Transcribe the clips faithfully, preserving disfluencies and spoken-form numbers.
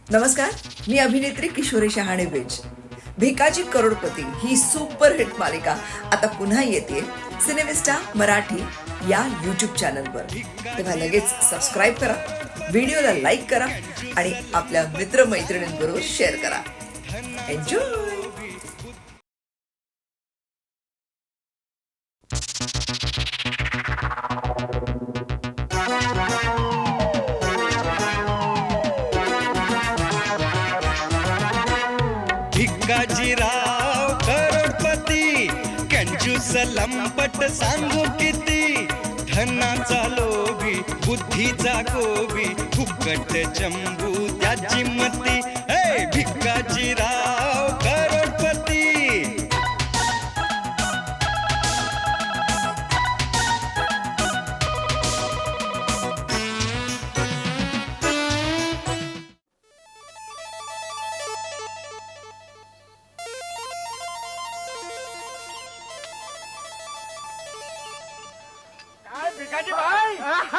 नमस्कार, मी अभिनेत्री किशोरी शहाणे बेज. भिकाजी करोडपती ही सुपरहिट मालिका आता पुन्हा येते सिनेमिस्टा मराठी या यूट्यूब चॅनलवर. तेव्हा लगेच सबस्क्राईब करा, व्हिडिओला लाईक करा आणि आपल्या मित्रमैत्रिणींबरोबर शेअर करा. एन्जॉय. भिकाजीराव करोडपती कंजूस लंपट सांगू किती, धनाचा लोभी बुद्धीचा गोबी फुकट चंबू त्याची मती. हे भिकाजीराव करोडपती. भिकाजी भाई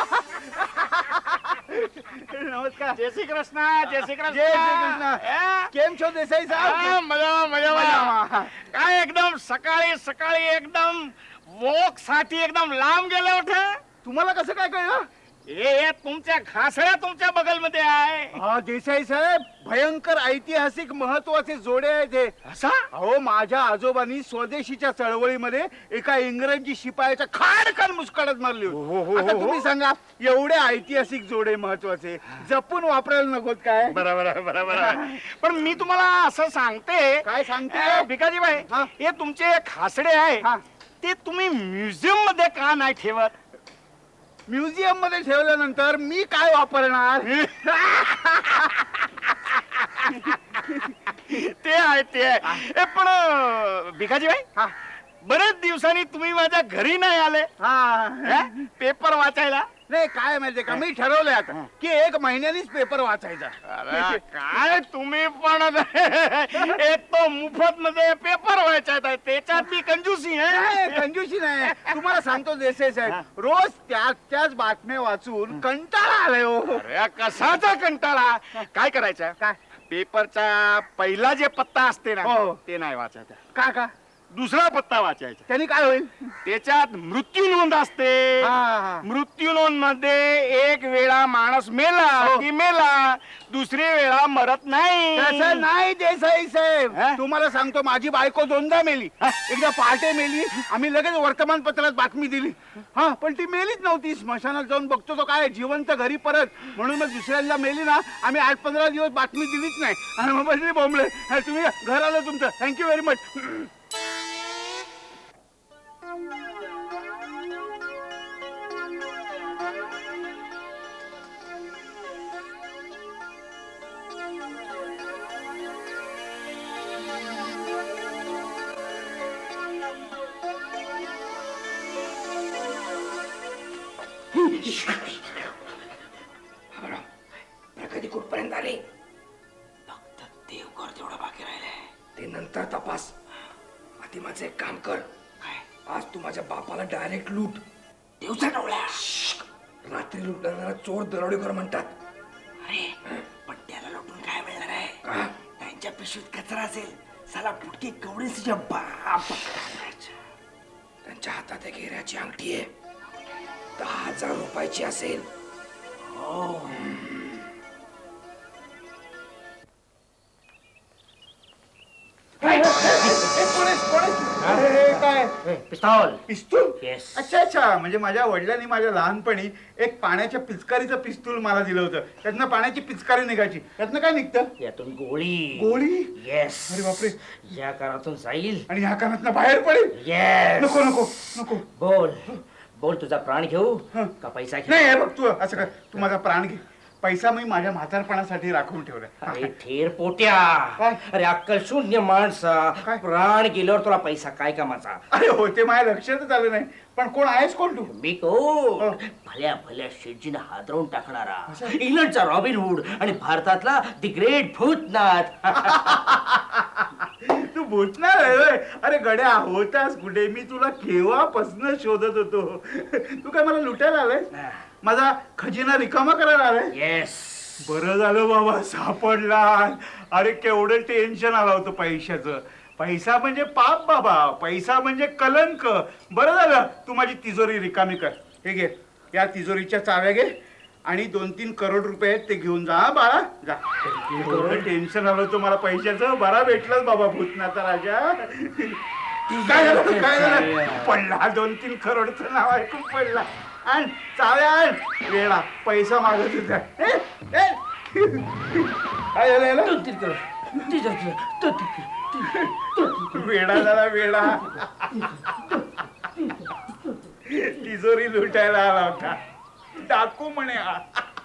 नमस्कार. जय श्री कृष्ण. जय श्री कृष्ण. जय श्री कृष्ण. केम छो देसाई साहेब? मजा मजा मजा. काय एकदम सकाळी सकाळी एकदम वॉक साठी एकदम लांब गेले होते. तुम्हाला कसं काय कळलं? हे तुमच्या घासळ्या तुमच्या बगलमध्ये आहे. हा देसाई साहेब, भयंकर ऐतिहासिक महत्वाचे जोडे आहेत हे. असा अहो, माझ्या आजोबांनी स्वदेशीच्या चळवळीमध्ये एका इंग्रजी शिपायाच्या खाडकन मुस्काडत मारली हो, होती. हो, आता हो, तुम्ही हो. सांगा, एवढे ऐतिहासिक जोडे महत्वाचे जपून वापरायला नकोत काय? बरोबर बरोबर. पण मी तुम्हाला असं सांगते. काय सांगते? भिकाजी भाई, हा. हे तुमचे खासडे आहे हा. ते तुम्ही म्युझियम मध्ये का नाही ठेवत? म्युझियम मध्ये ठेवल्यानंतर मी काय वापरणार? ते आहे ते आहे. ए, पण भिकाजी भाई, हा. बरेच दिवसांनी तुम्ही माझ्या घरी नाही आले हा. हे? पेपर वाचायला. नाही, काय माहितीये का, मी ठरवलंय आता की एक महिन्यानीच पेपर वाचायचा. अरे, काय तुम्ही पण एक तो मुफत मध्ये पेपर वाचायचा आहे, त्याच्यात बी कंजूसी नाही, आहे. कंजूसी नाही. तुम्हाला सांगतो देसाई साहेब, रोज त्याच त्याच बातम्या वाचून कंटाळा आलाय हो. अरे, कसाचा कंटाळा. काय करायचं? काय? पेपरचा पहिला जे पत्ता असते ना, हो. ते नाही वाचायचा. का का दुसरा पत्ता वाचायचा. त्यांनी काय होईल? त्याच्यात मृत्यू नोंद असते. हा, हा. मृत्यू नोंद मध्ये एक वेळा माणूस मेला हो. की मेला, दुसरी वेळा मरत नाही. तसं नाही देसाई साहेब, हा? तुम्हाला सांगतो, माझी बायको दोनदा मेली. एकदा पहाटे मेली, आम्ही लगेच वर्तमानपत्रात बातमी दिली. हा, पण ती मेलीच नव्हती. स्मशानात जाऊन बघतो तो काय जिवंत घरी परत. म्हणून मग दुसऱ्यांदा मेली ना, आम्ही आठ पंधरा दिवस बातमी दिलीच नाही. आणि मग बसली बोंबले. हा, तुम्ही घर आलं तुमचं. Thank you very much. प्रगती कुठपर्यंत आली? फक्त देवकर तेवढा बाकी राहिलाय. ते नंतर तपास. आधी माझं एक काम कर. काय? आज तू माझ्या बापाला डायरेक्ट लूट. दिवसा डोळ्या. रात्री लुटणारा चोर दरोडेखोर म्हणतात. अरे, पण त्याला लुटून काय मिळणार आहे? का? त्यांच्या पिशवीत कचरा असेल. साला फुटकी कवडी तुझ्या बाप. त्यांच्या हातात एक हिऱ्याची अंगठी आहे. दहा हजार रुपयाची असेल. काय पिस्तौल. पिस्तूल? Yes. अच्छा अच्छा, म्हणजे माझ्या वडिलांनी माझ्या लहानपणी एक पाण्याच्या पिचकारीचं पिस्तूल मला दिलं होतं. त्यातनं पाण्याची पिचकारी निघायची. त्यातनं काय निघतं? यातून गोळी. गोळी? येस. अरे बापरे. या कानातून जाईल. आणि ह्या कानातनं बाहेर पडेल? येस. नको नको नको. बोल बोल, तुझा प्राण घेऊ हं. का पैसा घेऊ? नाही, हे बघ, तू असं कर, तू माझा प्राण घे. पैसा मी माझ्या म्हातारपणासाठी राखून ठेवलाय. अरे ठेर पोट्या. काय? अरे अक्कल शून्य माणसा. काय? प्राण गेल्यावर तुला पैसा काय कामाचा? अरे हो, ते माझ्या लक्षातच आलं नाही. पण कोण आहेस कोण तू? मी कोण? हो. भल्या भल्या शेटजीने हादरवून टाकणारा इंग्लंडचा रॉबिन हुड आणि भारतातला दी ग्रेट भूतनाथ. तू भूतनाथ आहे होय? अरे गड्या, होतास कुठे? मी तुला केव्हापासून शोधत होतो. तू काय मला लुटायला आलाय? माझा खजिना रिकामा करायला आलाय? येस. बरं झालं बाबा सापडला. अरे केवढं टेन्शन आलं होतं पैशाचं. पैसा म्हणजे पाप बाबा, पैसा म्हणजे कलंक. बरं झालं तू माझी तिजोरी रिकामी कर. हे घे, या तिजोरीच्या चाव्या घे आणि दोन तीन करोड रुपये आहेत ते घेऊन जा. हा बाळा जा. एवढं टेन्शन आलं होतं मला पैशाचं. बरा भेटलाच बाबा भूतनाथा राजा. काय झालं काय झालं? पडला दोन तीन करोडचं नाव ऐकून पडला. आण चाव्या आण. वेळा पैसा मागत होता. ए, ए. काय झालं याला? दोन तीन करोड तिच्या दोन तीन वेडा झाला वेडा. तिजोरी लुटायला आला होता. टाकू म्हणे हा.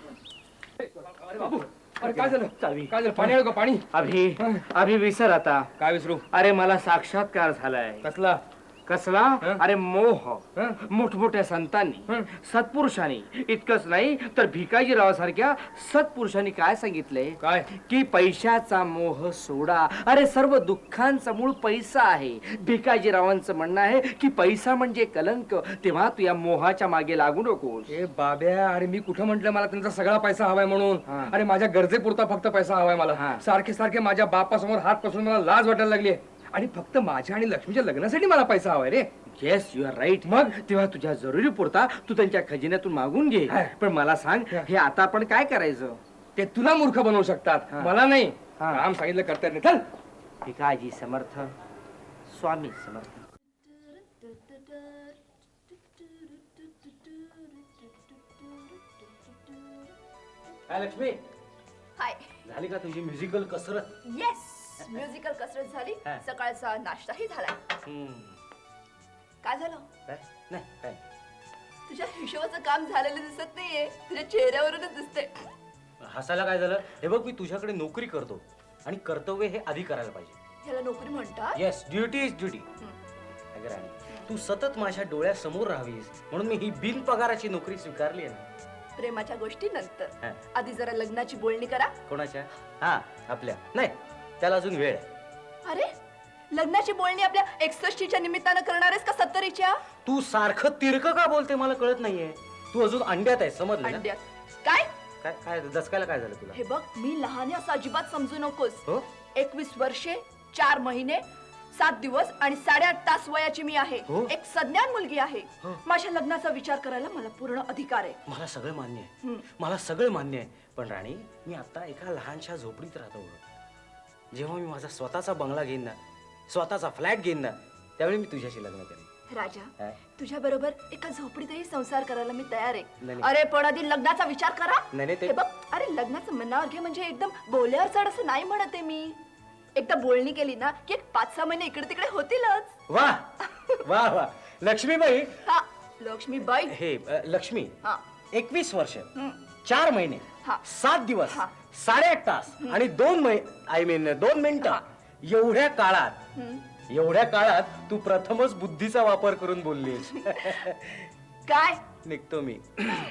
अरे काय झालं चावी. काय झालं पाणी आलं का पाणी अभि अभि विसर आता. काय विसरू अरे मला साक्षात्कार झालाय. कसला कसला? हं? अरे मोह. हं? मोठमोठ्या संतांनी हं. सत्पुरुषांनी इतकंच नाही तर भिकाजीराव सारख्या सत्पुरुषांनी काय सांगितलंय काय की पैशाचा मोह सोडा. अरे सर्व दुःखांचा मूळ पैसा आहे. भिकाजीरावांचं म्हणणं आहे की पैसा म्हणजे कलंक. तेव्हा तू या मोहाच्या मागे लागू नकोस. ए बाब्या, अरे मी कुठं म्हंटल मला त्यांचा सगळा पैसा हवाय म्हणून. हा. अरे माझ्या गरजेपुरता फक्त पैसा हवाय मला. हा. सारखे सारखे माझ्या बापासमोर हात पसरून मला लाज वाटायला लागली. आणि फक्त माझ्या आणि लक्ष्मीच्या लग्नासाठी मला पैसा हवाय रे. Yes you are right. मग तेव्हा तुझ्या जरुरी पुरता तू त्यांच्या खजिन्यातून मागून घे. हा. पण मला सांग हा. हे आता आपण काय करायचं? ते तुला मूर्ख बनवू शकतात, हा. मला नाही. हा. काम सांगितलं करता येत नाही. चल. भिकाजी समर्थ, स्वामी समर्थ. काय लक्ष्मी, हाय. झाली का तुझी म्युझिकल कसरत? येस, म्युझिकल कसरत झाली. हा. सकाळचा नाश्ताही झालाय. हम्म. काय झालं? काय? नाही काय तुझ्या हिशोबाचं काम झालेलं दिसत नाहीये, तुझ्या चेहऱ्यावरूनच दिसते. हसायला काय झालं? हे बघ, मी तुझ्याकडे नोकरी करतो आणि कर्तव्य हे आधी करायला पाहिजे. ह्याला नोकरी म्हणतात? Yes, duty is duty. अगं राणी, तू सतत माझ्या डोळ्यासमोर राहावीस म्हणून मी ही बिनपगाराची नोकरी स्वीकारली आहे ना. प्रेमाच्या गोष्टी नंतर, हा. आधी जरा लग्नाची बोलणी करा. कोणाच्या? हा, आपल्या. नाही, त्याला अजून वेळ आहे. अरे, लग्नाची बोलणी आपल्या एकसष्टीच्या निमित्तानं करणार आहेस का सत्तरीच्या? तू सारखं तिरकं का बोलते मला कळत नाहीये. तू अजून अंड्यात आहे, समजलं ना? अंड्यात काय? काय काय दसकायला काय झालं तुला? हे बघ, मी लहान आहे असं अजिबात समजू नकोस. हो? एकवीस वर्षे, चार महिने, सात दिवस आणि साडेआठ तास वयाची मी आहे. हो? एक सज्ञान मुलगी आहे. हो. माझ्या लग्नाचा विचार करायला मला पूर्ण अधिकार आहे. मला सगळं मान्य आहे. हं. मला सगळं मान्य आहे. पण राणी, मी आता एका लहानशा झोपडीत राहतो. जेव्हा मी माझा स्वतःचा बंगला घेईन ना, स्वतःचा फ्लॅट घेईन ना, त्यावेळी मी तुझ्याशी लग्न करेन. राजा, काय? तुझ्या बरोबर एका झोपडीतही संसार करायला मी तयार आहे. नाही. अरे पण आधी लग्नाचा विचार करा. नाही, नाही, ते- हे बघ, अरे लग्नाचं मनावर घे म्हणजे एकदम बोल्यावर चढ असं नाही म्हणत आहे मी. एकदा बोलणी केली ना की एक पाच सहा महिने इकडे तिकडे होतीलच. वा वा वा लक्ष्मीबाई. हा, लक्ष्मीबाई. हे अ, लक्ष्मी, हा. एकवीस वर्ष, हं. चार महिने, हा. सात दिवस, हा. साडेआठ तास आणि दोन महिने, आय मीन दोन मिनिटं, एवढ्या काळात हं. एवढ्या काळात तू प्रथमच बुद्धीचा वापर करून बोललीस. काय? निघतो मी.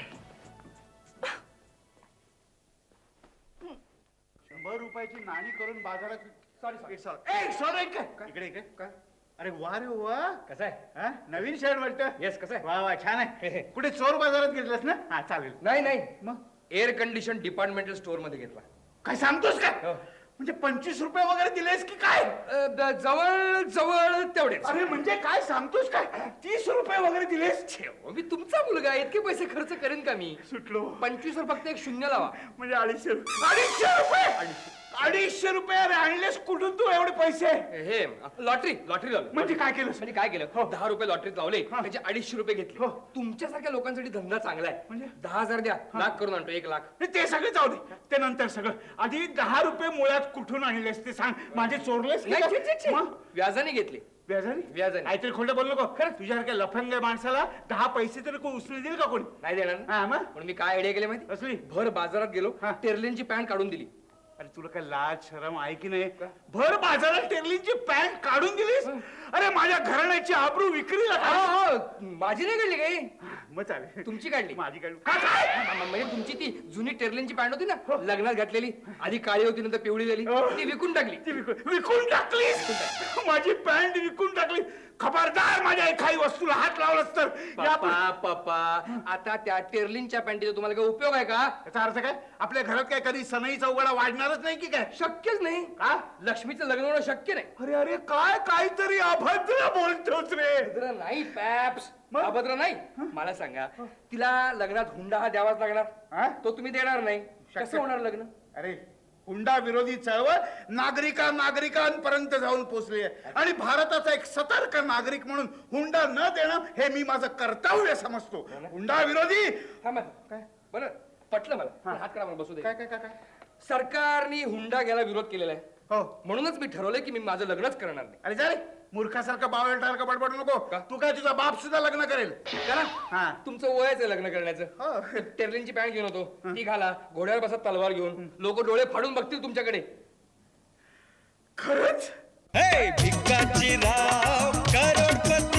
शंभर रुपयाची नाणी करून बाजारात. सॉरी सॉरी सॉरी इकडे इकडे काय? अरे वा रे वा. कसं आहे? हा? नवीन शर्ट वाटतं. येस, कसं आहे? वा वा छान आहे. कुठे चोर बाजारात घेतलास ना? हा चालेल. नाही नाही, मग एअर कंडिशन डिपार्टमेंटल स्टोअर मध्ये घेतला. काय सांगतोस काय? हो. म्हणजे पंचवीस रुपये वगैरे दिलेस की काय? अ, द- जवळ जवळ तेवढेच. अरे म्हणजे काय सांगतोस काय? तीस रुपये वगैरे दिलेस? अहो, मी तुमचा मुलगा आहे, इतके पैसे खर्च करेन का मी? सुटलो. पंचवीस वर फक्त एक शून्य लावा. म्हणजे अडीचशे रुपये. अडीचशे रुपये अडीचशे रुपये अरे आणलेस कुठून तू एवढे पैसे? हे लॉटरी लॉटरी लावली. म्हणजे काय केलंस? म्हणजे काय केलं, दहा रुपये लॉटरीत लावले, हा. त्याचे अडीचशे रुपये घेतले. हो. तुमच्यासारख्या लोकांसाठी धंदा चांगला आहे. म्हणजे? दहा हजार द्या, लाख करून आणतो, एक लाख. नाही, ते सगळं जाऊ दे, ते नंतर सगळं. आधी दहा रुपये मुळात कुठून आणलेस ते सांग. माझे चोरलेस की नाही, काय? छे, छे, छे. मग? व्याजाने घेतले. व्याजाने? व्याजाने. काहीतरी खोटं बोललो का? खरं तुझ्यासारख्या लफंग माणसाला दहा पैसे तरी कोण उचलून देईल का कोणी? नाही देणार ना. हा मग? पण मी काय आयडिया केली माहिती? असली? भर बाजारात गेलो, हा. टेरलेनची पॅन्ट काढून दिली. अरे तुला काय लाज शरम आहे की नाही? भर बाजारात टेरलीची पॅन्ट काढून दिलीस? अरे माझ्या घराण्याची आबरू विक्रीला हो, काढ- हो, माझी नाही काढली काही. मग चालेल. तुमची काढली? माझी काढली. का काय? म- म्हणजे तुमची ती जुनी टेरलिनची पॅन्ट होती ना लग्नात घातलेली, आधी काळी होती नंतर पिवळी झाली, ती विकून टाकली. ती विकून विकून टाकली. माझी पॅन्ट विकून टाकली. खबरदार माझ्या एखादी वस्तूला हात लावलास तर यापुढे- पप्पा पप्पा आता त्या टेरलिनच्या पॅन्टीचा तुम्हाला काय उपयोग आहे का? याचा अर्थ काय? आपल्या घरात काय कधी सनईचा उघडा वाढणारच नाही की काय? शक्यच नाही. का? लक्ष्मीचं लग्न होणं शक्य नाही. अरे अरे काय काहीतरी अभद्र बोलतोस रे. अभद्र नाही पॅप्स, मग? अभद्र नाही. मला सांगा, तिला लग्नात हुंडा हा द्यावाच हा? लागणार, तो तुम्ही देणार नाही, शक्य- कसं होणार लग्न? अरे हुंडा विरोधी चळवळ नागरिका नागरिकांपर्यंत जाऊन पोहोचली आहे आणि भारताचा एक सतर्क नागरिक म्हणून हुंडा न देणं हे मी माझं कर्तव्य समजतो. हुंडा विरोधी. थांबा. काय बरं पटलं मला, पण हात करा मला बसू दे. काय काय काय काय? सरकारने हुंडा घ्यायला विरोध केलेला आहे, हो. म्हणूनच मी ठरवलंय की मी माझं लग्नच करणार नाही. अरे जा रे मूर्खासारखं बावळटासारखं बडबड नको. का? तू काय तुझा बाप सुद्धा लग्न करेल. करा, हा. तुमचं वयच आहे लग्न हो. करण्याचं. टेरलिनची पॅन्ट घेऊन होतो, ती घाला, घोड्यावर बसा तलवार घेऊन, लोक डोळे फाडून बघतील तुमच्याकडे. खरंच? हे भिकाजी राव करोडपती